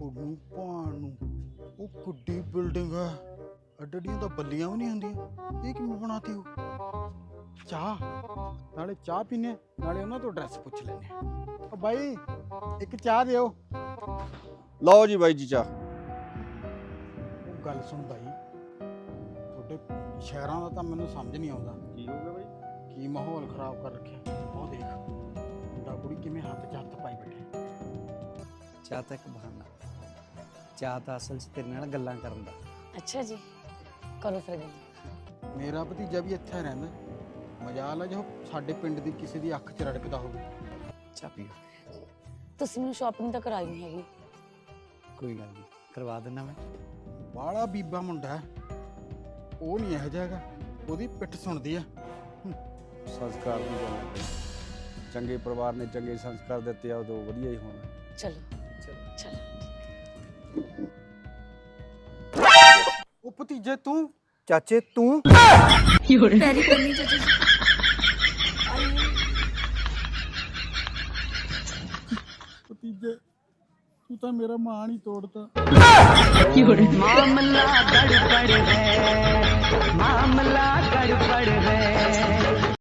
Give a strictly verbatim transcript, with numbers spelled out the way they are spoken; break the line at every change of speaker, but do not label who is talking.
ਉਹਨੂੰ ਭਾਣ ਨੂੰ ਉਹ ਕਿੱਡੀ ਬਿਲਡਿੰਗ ਹੈ, ਅੱਡੜੀਆਂ ਤਾਂ ਬੱਲੀਆਂ ਵੀ ਨਹੀਂ ਹੁੰਦੀਆਂ, ਇਹ ਕਿਵੇਂ ਬਣਾਤੀ ਹੋ? ਚਾਹ ਨਾਲੇ ਚਾਹ ਪੀਨੇ ਨਾਲੇ ਉਹਨਾਂ ਤੋਂ ਐਡਰੈਸ ਪੁੱਛ ਲੈਨੇ ਆ। ਉਹ ਬਾਈ ਇੱਕ ਚਾਹ ਦਿਓ।
ਲਓ ਜੀ ਬਾਈ ਜੀ ਚਾਹ।
ਉਹ ਗੱਲ ਸੁਣ ਬਾਈ, ਤੁਹਾਡੇ ਸ਼ਹਿਰਾਂ ਦਾ ਤਾਂ ਮੈਨੂੰ ਸਮਝ ਨਹੀਂ ਆਉਂਦਾ।
ਕੀ ਹੋ ਗਿਆ ਬਾਈ?
ਕੀ ਮਾਹੌਲ ਖਰਾਬ ਕਰ ਰੱਖਿਆ। ਉਹ ਦੇਖ ਮੁੰਡਾ ਕੁੜੀ ਕਿਵੇਂ ਹੱਥ 'ਚ ਹੱਥ ਪਾਈ ਬੈਠੇ।
ਚਾਹ ਤਾਂ ਇੱਕ ਬਹਾਨਾ, ਚਾਹ ਤਾਂ ਅਸਲ 'ਚ ਤੇਰੇ ਨਾਲ ਗੱਲਾਂ ਕਰਨ ਦਾ।
ਅੱਛਾ ਜੀ, ਕਰੋ ਫਿਰ ਗੱਲ।
ਮੇਰਾ ਭਤੀਜਾ ਵੀ ਇੱਥੇ ਰਹਿੰਦਾ, ਮਜਾਲ ਆ ਜੋ ਸਾਡੇ ਪਿੰਡ ਦੀ ਕਿਸੇ ਦੀ ਅੱਖ 'ਚ ਰੜਕਦਾ ਹੋਵੇ।
ਚਾਹ ਪੀਓ।
ਤੁਸੀਂ ਮੈਨੂੰ ਸ਼ਾਪਿੰਗ ਤਾਂ ਕਰਾਈ ਨਹੀਂ ਹੈਗੀ।
ਕੋਈ ਗੱਲ ਨਹੀਂ, ਕਰਵਾ ਦਿੰਦਾ ਮੈਂ।
ਬਾਲਾ ਬੀਬਾ ਮੁੰਡਾ ਹੈ, ਉਹ ਨਹੀਂ ਇਹੋ ਜਿਹਾ ਹੈਗਾ, ਉਹਦੀ ਪਿੱਠ ਸੁਣਦੀ ਆ।
ਸੰਸਕਾਰ ਦੀ ਗੱਲ ਹੈ, ਚੰਗੇ ਪਰਿਵਾਰ ਨੇ ਚੰਗੇ ਸੰਸਕਾਰ ਦਿੱਤੇ ਆ, ਉਦੋਂ ਵਧੀਆ ਹੀ ਹੋਣਾ।
ਚਲੋ ਚਲੋ।
ਉਹ ਭਤੀਜੇ ਤੂੰ,
ਚਾਚੇ ਤੂੰ
ਪੈਰੀ ਪੈਣੀ ਚਾਚਾ ਜੀ।
ਭਤੀਜੇ ਤੂੰ ਤਾਂ ਮੇਰਾ ਮਾਣ ਹੀ ਤੋੜਤਾ।
ਮਾਮਲਾ